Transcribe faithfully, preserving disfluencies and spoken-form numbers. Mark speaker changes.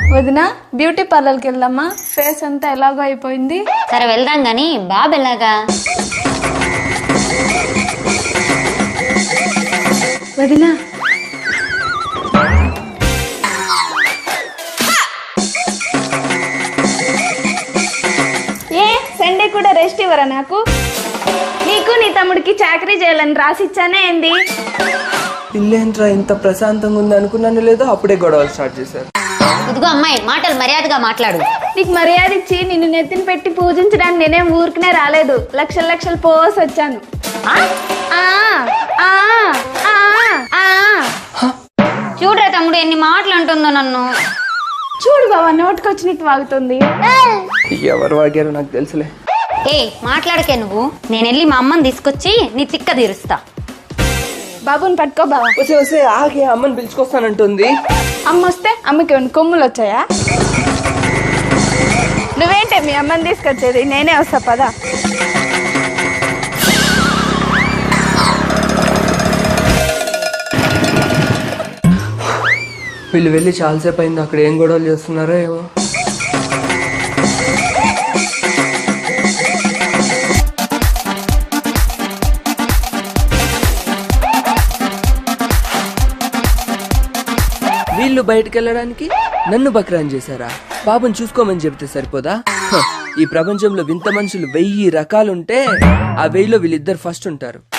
Speaker 1: వదిన బ్యూటీ పార్లర్కి వెళ్దామా? ఫేస్ అంతా ఎలాగో అయిపోయింది.
Speaker 2: సరే వెళ్దాం గాని బాబు ఎలాగా?
Speaker 1: వదిన ఏ సండే కూడా రెస్ట్ ఇవ్వరా నాకు? నీకు నీ తమ్ముడికి చాకరీ చేయాలని రాసిచ్చానే ఏంది?
Speaker 3: ఇల్లేంట్రా ఇంత ప్రశాంతంగా ఉంది అనుకున్నాను లేదో అప్పుడే గొడవలు స్టార్ట్ చేశారు.
Speaker 2: ఇదిగో అమ్మాయి, మాటలు మర్యాదగా మాట్లాడు.
Speaker 1: నీకు మర్యాద ఇచ్చి నిన్ను నెత్తిన పెట్టి పూజించడానికి నేనేం ఊరికనే రాలేదు. లక్షల లక్షలు పోసి వచ్చాను.
Speaker 2: ఆ?
Speaker 1: ఆ ఆ ఆ ఆ
Speaker 2: చూడరా తమ్ముడు ఎన్ని మాటలు అంటుందో నన్ను.
Speaker 1: చూడు బావా, నోటికొచ్చినట్టు వాగుతుంది.
Speaker 3: ఎవరు వాగారో నాకు తెలుసులే.
Speaker 2: ఏ మాట్లాడకే నువ్వు. నేను వెళ్ళి మా అమ్మని తీసుకొచ్చి నీ తిక్క తీరుస్తా.
Speaker 1: బాబుని పట్టుకో బావా.
Speaker 3: వస్తే వస్తే ఆగే అమ్మని పిలుచుకొస్తానంటుంది.
Speaker 1: అమ్మ వస్తే అమ్మకి ఏమైనా కొమ్ములు వచ్చాయా? నువ్వేంటే మీ అమ్మని తీసుకొచ్చేది? నేనే వస్తా పదా.
Speaker 3: వీళ్ళు వెళ్ళి చాలాసేపు అయింది, అక్కడ ఏం గొడవలు చేస్తున్నారో ఏమో. వీళ్ళు బయటకు వెళ్ళడానికి నన్ను బక్రాన్ చేశారా? బాబుని చూసుకోమని చెప్తే సరిపోదా? హ, ఈ ప్రపంచంలో వింత మనుషులు వెయ్యి రకాలుంటే ఆ వెయ్యిలో వీళ్ళిద్దరు ఫస్ట్ ఉంటారు.